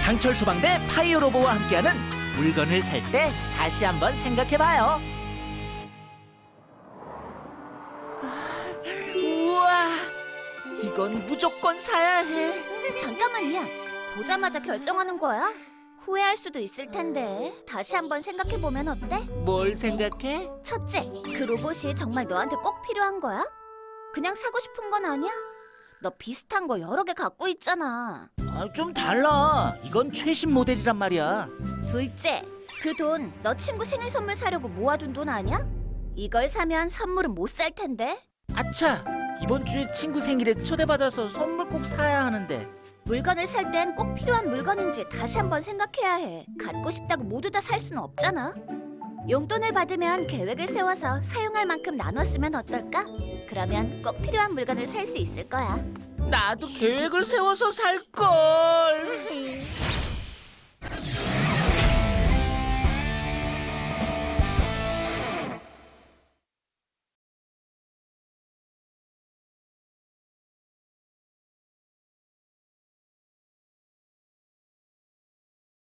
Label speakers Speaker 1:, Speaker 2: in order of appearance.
Speaker 1: 강철 소방대 파이어로보와 함께하는 물건을 살 때 다시 한번 생각해봐요. 우와, 이건 무조건 사야 해.
Speaker 2: 잠깐만요. 보자마자 결정하는 거야? 후회할 수도 있을 텐데 다시 한번 생각해보면 어때?
Speaker 1: 뭘 생각해?
Speaker 2: 첫째, 그 로봇이 정말 너한테 꼭 필요한 거야? 그냥 사고 싶은 건 아니야? 너 비슷한 거 여러 개 갖고 있잖아.
Speaker 1: 좀 달라. 이건 최신 모델이란 말이야.
Speaker 2: 둘째, 그 돈 너 친구 생일 선물 사려고 모아둔 돈 아니야? 이걸 사면 선물은 못 살 텐데.
Speaker 1: 아차, 이번 주에 친구 생일에 초대받아서 선물 꼭 사야 하는데.
Speaker 2: 물건을 살 땐 꼭 필요한 물건인지 다시 한번 생각해야 해. 갖고 싶다고 모두 다 살 수는 없잖아. 용돈을 받으면 계획을 세워서 사용할 만큼 나눴으면 어떨까? 그러면 꼭 필요한 물건을 살 수 있을 거야.
Speaker 1: 나도 계획을 세워서 살 걸.